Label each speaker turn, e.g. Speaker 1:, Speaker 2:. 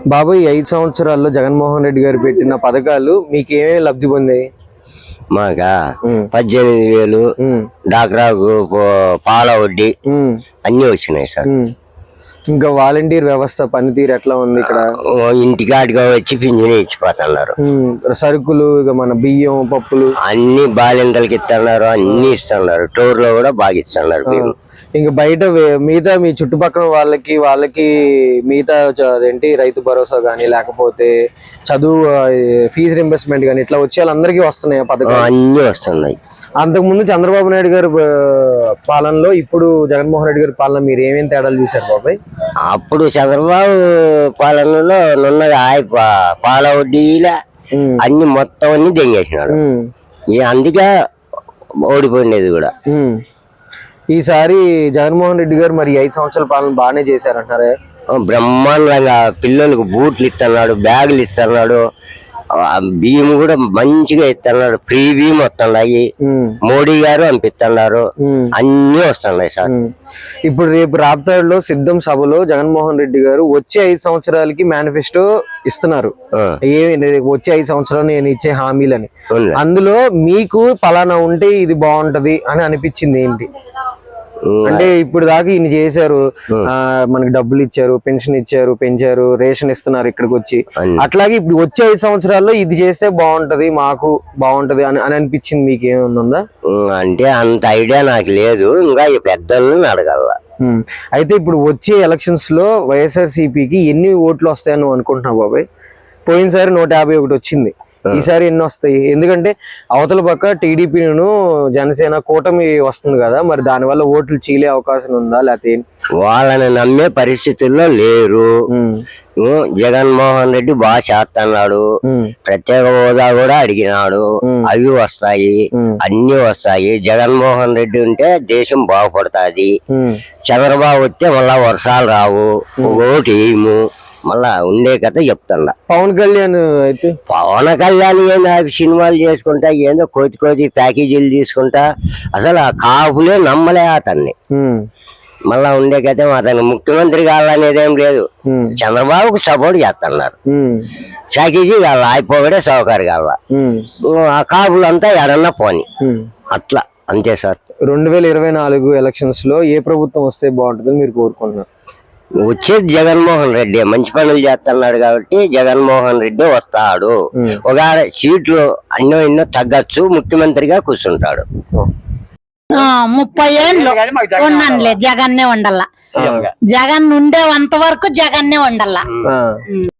Speaker 1: బాబు ఈ 5 సంవత్సరాల్లో జగన్మోహన్ రెడ్డి గారు పెట్టిన పథకాలు మీకు ఏమేమి లబ్ధి పొందాయి?
Speaker 2: మాకా 18,000 డాక్రాకు పాల వడ్డీ అన్ని వచ్చినాయి సార్.
Speaker 1: ఇంకా వాలంటీర్ వ్యవస్థ పనితీరు ఎట్లా ఉంది ఇక్కడ?
Speaker 2: ఇంటికాడిగా వచ్చి పింఛను ఇచ్చిపోతున్నారు.
Speaker 1: సరుకులు ఇక మన బియ్యం పప్పులు
Speaker 2: అన్ని బాలింతలకి ఇస్తున్నారు, అన్ని ఇస్తున్నారు. టోర్ లో కూడా బాగా ఇస్తున్నారు.
Speaker 1: ఇంకా బయట మిగతా మీ చుట్టుపక్కల వాళ్ళకి మిగతా అదేంటి రైతు భరోసా గానీ లేకపోతే చదువు ఫీజు రింబర్స్మెంట్ గానీ ఇట్లా వచ్చే వాళ్ళందరికీ వస్తున్నాయి పథకాలు?
Speaker 2: అన్ని వస్తున్నాయి.
Speaker 1: అంతకుముందు చంద్రబాబు నాయుడు గారి పాలనలో ఇప్పుడు జగన్మోహన్ రెడ్డి గారి పాలన మీరు ఏమేమి తేడాలు చూశారు బాబాయ్?
Speaker 2: అప్పుడు చంద్రబాబు పాలనలో నున్నది పాల వడ్డీలా అన్ని మొత్తం అన్ని దెంగేసినాడు. అందుకే ఓడిపోయినది కూడా.
Speaker 1: ఈసారి జగన్మోహన్ రెడ్డి గారు మరి 5 సంవత్సరాల పాలన బాగానే చేశారంటారే?
Speaker 2: బ్రహ్మాండంగా పిల్లలకు బూట్లు ఇస్తున్నాడు, బ్యాగులు ఇస్తున్నాడు, బియ్యం కూడా మంచిగా ఇస్తున్నాడు. ఫ్రీ బియ్యం వస్తున్నాయి, మోడీ గారు పంపిస్తున్నారు, అన్ని వస్తున్నాయి సార్.
Speaker 1: ఇప్పుడు రేపు రాప్తాడులో సిద్ధం సభలో జగన్మోహన్ రెడ్డి గారు వచ్చే 5 సంవత్సరాలకి మేనిఫెస్టో ఇస్తున్నారు. వచ్చే 5 సంవత్సరాలు నేను ఇచ్చే హామీలని, అందులో మీకు పలానా ఉంటే ఇది బాగుంటది అని అనిపించింది ఏంటి? అంటే ఇప్పుడు దాకా ఈయన చేశారు, మనకి డబ్బులు ఇచ్చారు, పెన్షన్ ఇచ్చారు, పెంచారు, రేషన్ ఇస్తున్నారు ఇక్కడికి వచ్చి. అట్లాగే ఇప్పుడు వచ్చే 5 సంవత్సరాల్లో ఇది చేస్తే బాగుంటది, మాకు బాగుంటది అని అనిపించింది మీకు ఏమన్నా?
Speaker 2: అంటే అంత ఐడియా నాకు లేదు, ఇంకా పెద్దలను అడగాల.
Speaker 1: అయితే ఇప్పుడు వచ్చే ఎలక్షన్స్ లో వైఎస్ఆర్సీపీకి ఎన్ని ఓట్లు వస్తాయని అనుకుంటున్నావు బాబాయ్? పోయినసారి 151 వచ్చింది, ఈసారి ఎన్ని వస్తాయి? ఎందుకంటే అవతల పక్క టీడీపీను జనసేన కూటమి వస్తుంది కదా, మరి దానివల్ల ఓట్లు చీలే అవకాశం ఉందా లేకపోతే?
Speaker 2: వాళ్ళని నమ్మే పరిస్థితుల్లో లేరు. జగన్మోహన్ రెడ్డి బాగా చేస్తున్నాడు, ప్రత్యేక హోదా కూడా అడిగినాడు, అవి వస్తాయి, అన్ని వస్తాయి. జగన్మోహన్ రెడ్డి ఉంటే దేశం బాగుపడుతుంది. చంద్రబాబు వస్తే మళ్ళా వర్షాలు రావు, ఓటు వేయము, మళ్ళా ఉండే కథ చెప్తున్నా.
Speaker 1: పవన్ కళ్యాణ్ అయితే
Speaker 2: ఏందో సినిమాలు చేసుకుంటా, ఏందో కోతి ప్యాకేజీలు తీసుకుంటా, అసలు ఆ కాపులే నమ్మలే అతన్ని. మళ్ళా ఉండే కథ అతను ముఖ్యమంత్రి కావాలనేది ఏం లేదు, చంద్రబాబుకు సపోర్ట్ చేస్తున్నారు. ప్యాకేజీ కావాల, అయిపోగడే సౌకర్యం కావాల, ఆ కాపులంతా ఎడన్నా పోని అట్లా అంతే సార్.
Speaker 1: 2024 ఎలక్షన్స్ లో ఏ ప్రభుత్వం వస్తే బాగుంటుందని మీరు కోరుకుంటున్నారు?
Speaker 2: వచ్చేది జగన్మోహన్ రెడ్డి, మంచి పనులు చేస్తున్నాడు కాబట్టి జగన్మోహన్ రెడ్డి వస్తాడు. ఒక సీట్లు ఎన్నో తగ్గచ్చు, ముఖ్యమంత్రిగా కూర్చుంటాడు.
Speaker 3: 30 ఏళ్ళు ఉన్నానులే, జగన్నే ఉండాల. జగన్ ఉండేంత వరకు జగన్నే ఉండాల.